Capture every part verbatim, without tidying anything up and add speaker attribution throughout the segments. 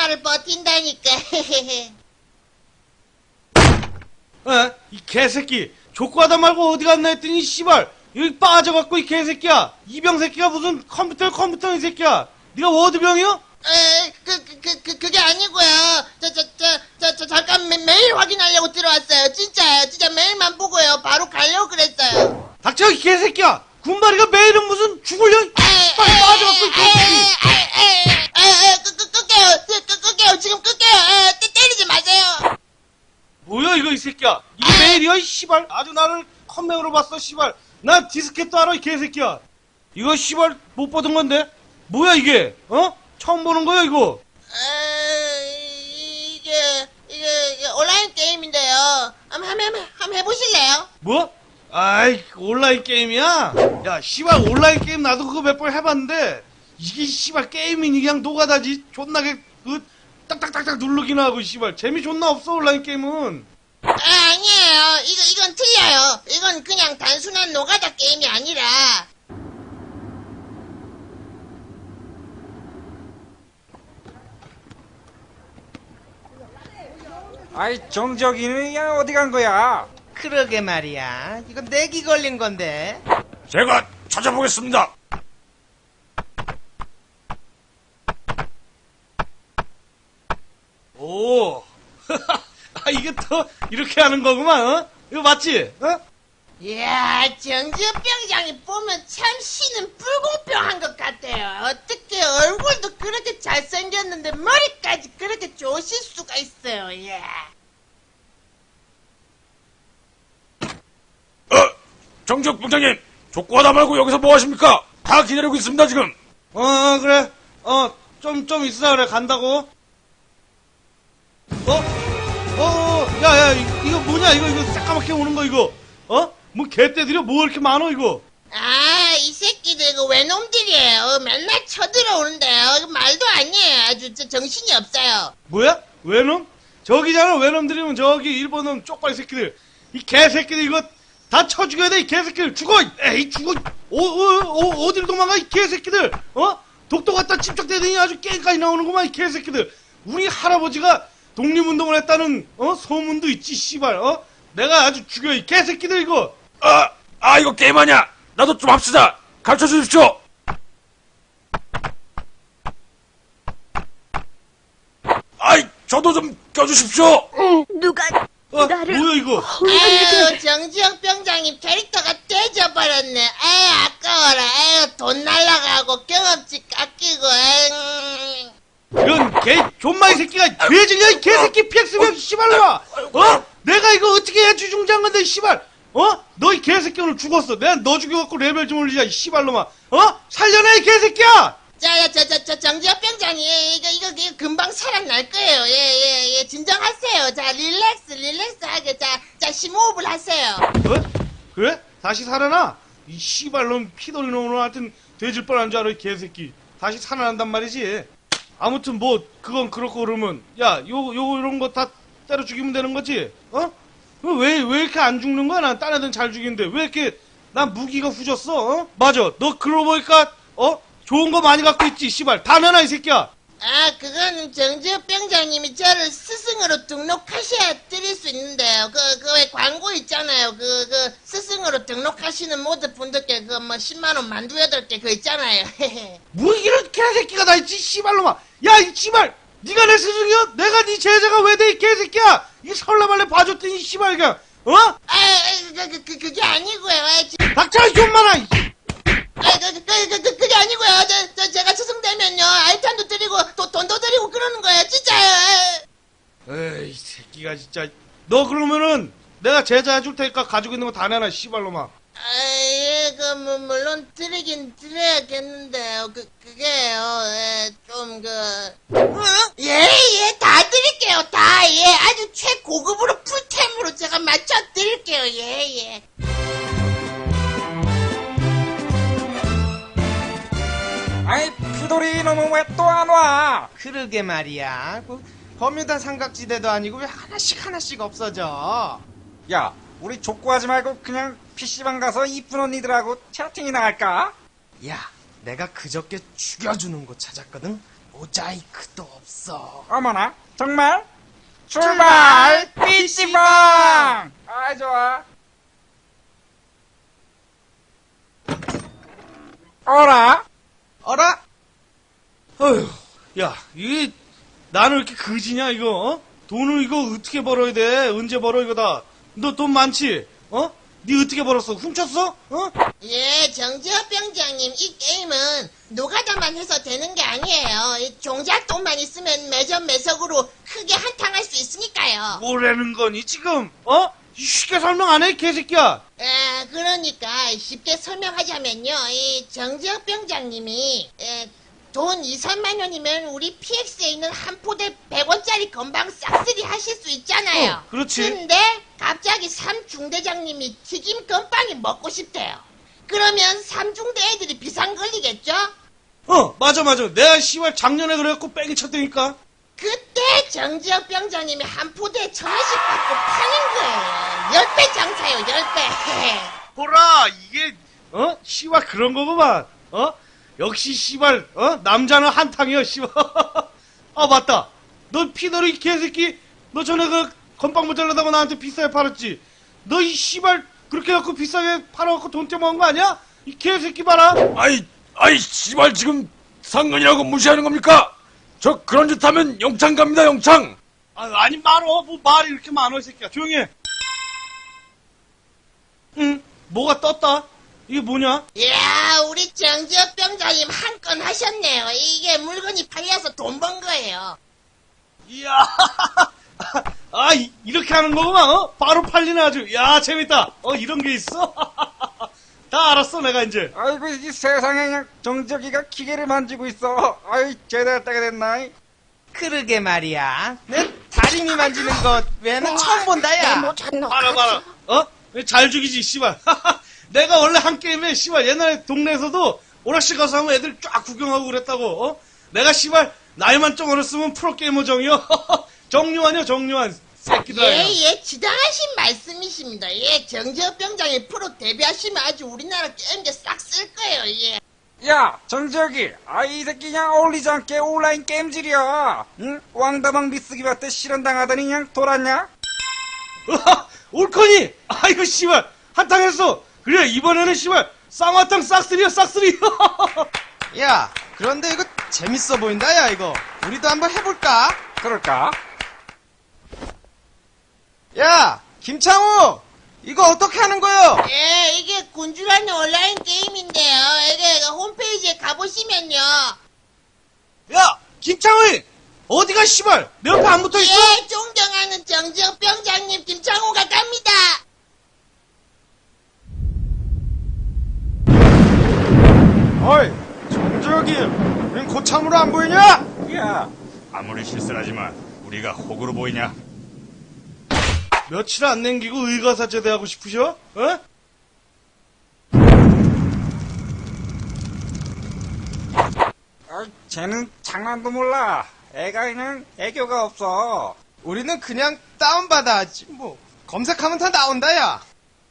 Speaker 1: 나를 버틴다니까.
Speaker 2: 에? 이 개새끼 족구하다 말고 어디 갔나 했더니 씨발 여기 빠져갖고 이 개새끼야 이병새끼가 무슨 컴퓨터 컴퓨터 이 새끼야 네가 워드병이요?
Speaker 1: 에, 그, 그, 그, 그, 그게 아니고요. 저, 저, 저, 저, 저 잠깐 매, 메일 확인하려고 들어왔어요. 진짜요. 진짜 메일만 보고요. 바로 가려고 그랬어요.
Speaker 2: 닥쳐 이 개새끼야 군바리가 매일은 무슨 죽을려 빨리 빠져갖고 이 개새끼
Speaker 1: 에에에에에에에 끄, 끄, 끌게요. 끄, 끄, 끌게요. 지금 끌게요. 에, 때, 때리지 마세요.
Speaker 2: 뭐야 이거 이 새끼야 이게 메일이야 이 씨발 아주 나를 컴맹으로 봤어 씨발 난 디스켓도 알아 이 개새끼야 이거 씨발 못 보던 건데 뭐야 이게 어? 처음 보는 거야 이거
Speaker 1: 에, 이게, 이게, 이게 온라인 게임인데요. 한번, 한번, 한번 해보실래요?
Speaker 2: 뭐? 아이 온라인 게임이야? 야 씨발 온라인 게임 나도 그거 몇 번 해봤는데 이게 씨발 게임이니 그냥 노가다지 존나게 그 딱딱딱딱 누르기나 하고 씨발 재미 존나 없어 온라인 게임은
Speaker 1: 아, 아니에요. 이거, 이건 틀려요. 이건 그냥 단순한 노가다 게임이 아니라.
Speaker 3: 아이 정적이는 야 어디 간 거야?
Speaker 4: 그러게 말이야. 이거 내기 걸린 건데.
Speaker 5: 제가 찾아보겠습니다.
Speaker 2: 오 아 이게 또 이렇게 하는 거구만 어? 이거 맞지? 어?
Speaker 1: 이야, 정지혁병장이 보면 참 씨는 불공평한 것 같아요. 어떻게 얼굴도 그렇게 잘생겼는데 머리까지 그렇게 좋으실 수가 있어요, 예.
Speaker 5: 어, 정적 병장님, 족구하다 말고 여기서 뭐 하십니까? 다 기다리고 있습니다, 지금.
Speaker 2: 어, 어 그래 어 좀 좀 있으라 그래 간다고 어? 어? 어? 야야 이거 뭐냐 이거 이거 새까맣게 오는 거 이거 어? 뭐 개떼들이 뭐 이렇게 많어 이거
Speaker 1: 아, 이 새끼들 이거 외놈들이에요. 맨날 쳐들어오는데요. 이거 말도 아니에요. 아주 저 정신이 없어요.
Speaker 2: 뭐야? 외놈? 저기잖아 외놈들이면 저기 일본 놈 쪽발 새끼들 이 개새끼들 이거 다 쳐 죽여야 돼 이 개새끼들 죽어 에이 죽어 어, 어, 어, 어디로 도망가 이 개새끼들 어? 독도 갖다 침착대더니 아주 게임까지 나오는구만 이 개새끼들 우리 할아버지가 독립운동을 했다는 어 소문도 있지 씨발 어? 내가 아주 죽여 이 개새끼들 이거
Speaker 5: 아, 아, 이거 게임 아니야. 나도 좀 합시다. 가르쳐 주십시오. 아이, 저도 좀 껴주십시오.
Speaker 6: 누가
Speaker 2: 어?
Speaker 6: 나를
Speaker 2: 뭐야 이거
Speaker 1: 아유, 정지혁 병장님 캐릭터가 떼져버렸네. 아유, 아까워라. 아유, 돈 날라가고 경험치 깎이고. 아유.
Speaker 2: 이런 개 존마이 새끼가 죄질이야 이 개새끼 피엑스면 씨발로마 어? 내가 이거 어떻게 해 주중장 건데 씨발 어? 너 이 개새끼 오늘 죽었어 내가 너 죽여갖고 레벨 좀 올리자 이 씨발로마 어? 살려내 이 개새끼야
Speaker 1: 자, 저, 저, 저, 정지혁 병장님, 이거, 이거, 이거 금방 살아날 거예요. 예, 예, 예. 진정하세요. 자, 릴렉스, 릴렉스하게. 자, 자, 심호흡을 하세요.
Speaker 2: 어? 그래? 다시 살아나? 이 씨발놈 피돌이 놈으로 하여튼 돼질 뻔한 줄 알아 이 개새끼 다시 살아난단 말이지 아무튼 뭐 그건 그렇고 그러면 야 요 요 이런 거 다 때려 죽이면 되는 거지 어? 왜 왜 이렇게 안 죽는 거야 난 딴 애들은 잘 죽이는데 왜 이렇게 난 무기가 후졌어 어? 맞아 너 그러고 보니까 어? 좋은 거 많이 갖고 있지 씨발 다 내놔 이 새끼야
Speaker 1: 아, 그건 정지혁 병장님이 저를 스승으로 등록하셔야 드릴 수 있는데요. 그, 그 왜 광고 있잖아요. 그, 그, 스승으로 등록하시는 모든 분들께 그 뭐 십만 원 만두 여덟 개 그 있잖아요.
Speaker 2: 뭐 이런 개새끼가 다 있지 씨발놈아 야 이 씨발 니가 내 스승이야? 내가 네 제자가 왜 돼 이 개새끼야 이 설레발레 봐줬더니 이 씨발 그냥 어?
Speaker 1: 아, 아, 그, 그, 그, 그게 아니고요. 아, 지-
Speaker 2: 닥쳐 이 존마나 이
Speaker 1: 아, 그, 그, 그, 그, 그게 아니고요. 저, 저, 제가 스승 되면요. 알탄도 드리고, 또, 돈도 드리고 그러는 거예요. 진짜요.
Speaker 2: 에이 이 새끼가 진짜 너 그러면은 내가 제자 해줄 테니까 가지고 있는 거 다 내놔 씨발놈아
Speaker 1: 아, 예, 그, 뭐, 물론 드리긴 드려야겠는데요. 그, 그게요, 예, 좀, 그, 어? 예, 예, 다 드릴게요, 다, 예, 아주 최고급으로 풀템으로 제가 맞춰 드릴게요, 예, 예.
Speaker 3: 아이 피돌이 놈은 왜 또 안 와?
Speaker 4: 그러게 말이야. 그 버뮤다 삼각지대도 아니고 왜 하나씩 하나씩 없어져?
Speaker 3: 야 우리 족구하지 말고 그냥 피씨방 가서 이쁜 언니들하고 채팅이나 할까?
Speaker 4: 야, 내가 그저께 죽여주는 곳 찾았거든. 모자이크도 없어.
Speaker 3: 어머나, 정말? 출발! 피시방! 아, 좋아. 어라?
Speaker 4: 어라?
Speaker 2: 어휴, 야, 이게, 나는 왜 이렇게 거지냐, 이거, 어? 돈을 이거 어떻게 벌어야 돼? 언제 벌어, 이거 다? 너 돈 많지? 어? 니 어떻게 벌었어? 훔쳤어? 어?
Speaker 1: 예, 정지혁 병장님, 이 게임은 노가다만 해서 되는 게 아니에요. 이 종잣돈만 있으면 매점 매석으로 크게 한탕할 수 있으니까요.
Speaker 2: 뭐라는 거니, 지금? 어? 쉽게 설명 안 해, 개새끼야?
Speaker 1: 에, 그러니까 쉽게 설명하자면요, 이 정지혁 병장님이 에, 돈 이, 삼만 원이면 우리 피엑스에 있는 한 포대 백 원짜리 건방 싹쓸이 하실 수 있잖아요.
Speaker 2: 어, 그렇지.
Speaker 1: 근데 갑자기 삼중대장님이 튀김 건빵이 먹고 싶대요. 그러면 삼중대 애들이 비상 걸리겠죠?
Speaker 2: 어, 맞아, 맞아. 내가 씨발 작년에 그래갖고 뺑이 쳤다니까.
Speaker 1: 그때 정지혁 병장님이 한 포대에 천 원씩 받고 파는 거예요. 열 배 장사요, 열 배.
Speaker 2: 보라, 이게, 어? 씨발 그런 거구만. 어? 역시 씨발, 어? 남자는 한탕이야, 씨발. 아, 맞다. 너 피너리 개새끼, 너 전에 그 건빵 모자라다고 나한테 비싸게 팔았지? 너 이 씨발 그렇게 갖고 비싸게 팔아갖고 돈 떼먹은 거 아니야? 이 개새끼 봐라.
Speaker 5: 아이, 아이, 씨발, 지금 상관이라고 무시하는 겁니까? 저 그런 짓 하면 영창 갑니다, 영창!
Speaker 2: 아, 아니 말어. 뭐 말이 이렇게 많어, 이 새끼야. 조용히 해. 응? 뭐가 떴다? 이게 뭐냐?
Speaker 1: 이야, 우리 정지혁 병장님 한 건 하셨네요. 이게 물건이 팔려서 돈 번 거예요.
Speaker 2: 이야. 아, 이, 이렇게 하는 거구만, 어? 바로 팔리네 아주. 야, 재밌다. 어, 이런 게 있어? 다 알았어, 내가 이제.
Speaker 3: 아이고, 이 세상에 그냥 정적이가 기계를 만지고 있어. 아이, 제대로 따게 됐나?
Speaker 4: 그러게 말이야. 내 다리미 만지는 것 외에는 처음 본다, 야.
Speaker 2: 봐라, 봐라. 어? 잘 죽이지, 씨발. 내가 원래 한 게임에, 씨발, 옛날에 동네에서도 오락실 가서 하면 애들 쫙 구경하고 그랬다고, 어? 내가, 씨발, 나이만 좀 어렸으면 프로게이머 정이요. 정유환이요, 정유환. 새끼들.
Speaker 1: 예, 예, 지당하신 말씀이십니다. 예, 정지혁 병장님 프로 데뷔하시면 아주 우리나라 게임계 싹 쓸 거예요, 예.
Speaker 3: 야, 정적이. 아, 이 새끼 그냥 어울리지 않게 온라인 게임질이야. 응? 왕다방 미쓰기 받때 실현당하더니 그냥 돌았냐?
Speaker 2: 옳거니! 아이고, 씨발. 한탕했어. 그래, 이번에는, 씨발, 쌍화탕 싹쓸이야, 싹쓸이.
Speaker 4: 야, 그런데 이거 재밌어 보인다, 야, 이거. 우리도 한번 해볼까?
Speaker 3: 그럴까?
Speaker 4: 야, 김창우! 이거 어떻게 하는 거요?
Speaker 1: 예, 이게 군주라는 온라인 게임인데요. 이게 홈페이지에 가보시면요.
Speaker 2: 야, 김창우이! 어디가, 씨발? 내 옆에 안 붙어 있어?
Speaker 1: 예, 존경하는 정지혁 병장님 김창호가 갑니다.
Speaker 4: 어이, 정적이, 우린 고참으로 안 보이냐?
Speaker 3: 야,
Speaker 5: 아무리 실수하지만 우리가 호구로 보이냐?
Speaker 2: 며칠 안 남기고 의가사 제대하고 싶으셔? 어?
Speaker 3: 아, 쟤는 장난도 몰라. 애가 그냥 애교가 없어.
Speaker 4: 우리는 그냥 다운받아 하지, 뭐. 검색하면 다 나온다, 야.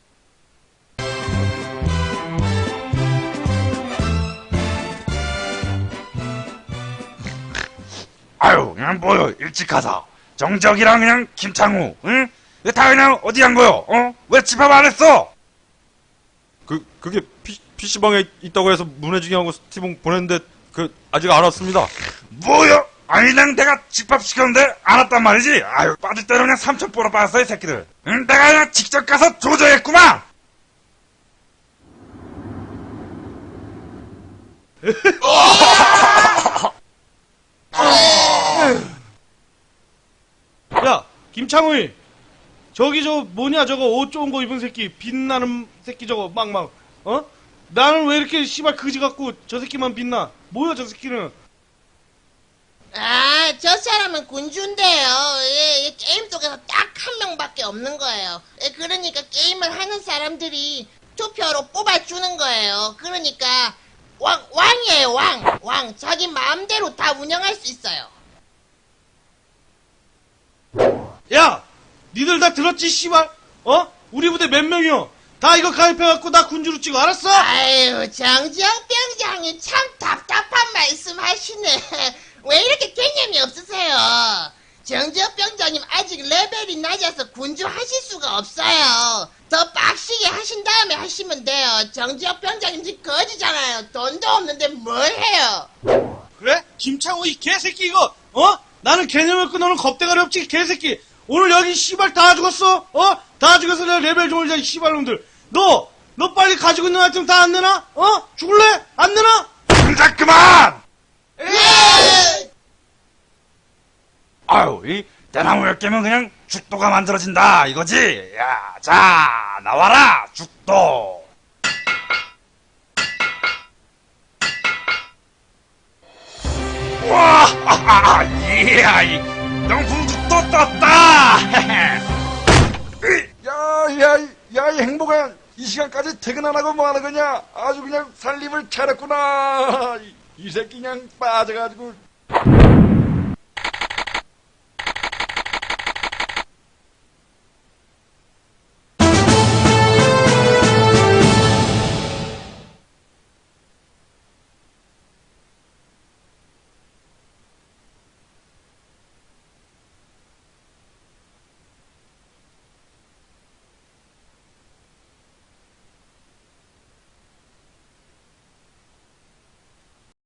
Speaker 5: 아유, 그냥 뭐요, 일찍 가서. 정적이랑 그냥 김창우, 응? 왜 다 그냥 어디 간 거요, 어? 왜 집합 안 했어?
Speaker 6: 그, 그게 피, 피시방에 있다고 해서 문해중이하고 스티븐 보냈는데, 그, 아직 안 왔습니다.
Speaker 5: 뭐요? 아니, 그냥 내가 집합시켰는데 안 왔단 말이지? 아유, 빠질 때는 그냥 삼천 보러 빠졌어, 이 새끼들. 응? 내가 그냥 직접 가서 조져했구만!
Speaker 2: 야, 김창우이. 저기 저 뭐냐 저거 옷 좋은 거 입은 새끼 빛나는 새끼 저거 막막 어? 나는 왜 이렇게 씨발 그지 같고 저 새끼만 빛나? 뭐야 저 새끼는?
Speaker 1: 아, 저 사람은 군주인데요. 예, 예, 게임 속에서 딱 한 명밖에 없는 거예요. 예, 그러니까 게임을 하는 사람들이 투표로 뽑아주는 거예요. 그러니까 왕, 왕이에요, 왕. 왕. 자기 마음대로 다 운영할 수 있어요.
Speaker 2: 야, 니들 다 들었지 씨발? 어? 우리 부대 몇 명이요? 다 이거 가입해갖고 나 군주로 찍어, 알았어?
Speaker 1: 아유, 정지영 병장이 참 답답한 말씀 하시네. 왜 이렇게 개념이 없으세요? 정지영 병장님 아직 레벨이 낮아서 군주 하실 수가 없어요. 더 빡시게 하신 다음에 하시면 돼요. 정지영 병장님 지금 거지잖아요. 돈도 없는데 뭘 해요?
Speaker 2: 그래? 김창호 이 개새끼 이거, 어? 나는 개념 없고 너는 겁대가리 없지, 개새끼. 오늘 여기 씨발 다 죽었어? 어? 다 죽어서 내가 레벨 좀 올자, 이 씨발놈들. 너, 너 빨리 가지고 있는 아이템 다 안 내놔? 어? 죽을래? 안 내놔?
Speaker 5: 동작 그만!
Speaker 1: 예!
Speaker 5: 아유, 이 대나무 열 개면 그냥 죽도가 만들어진다 이거지? 야, 자, 나와라 죽도. 와, 아하, 이야, 이 명품 죽도 떴다.
Speaker 3: 야, 야, 야, 이 행복한 이 시간까지 퇴근 안 하고 뭐 하는 거냐? 아주 그냥 살림을 차렸구나. 이, 이 새끼 그냥 빠져가지고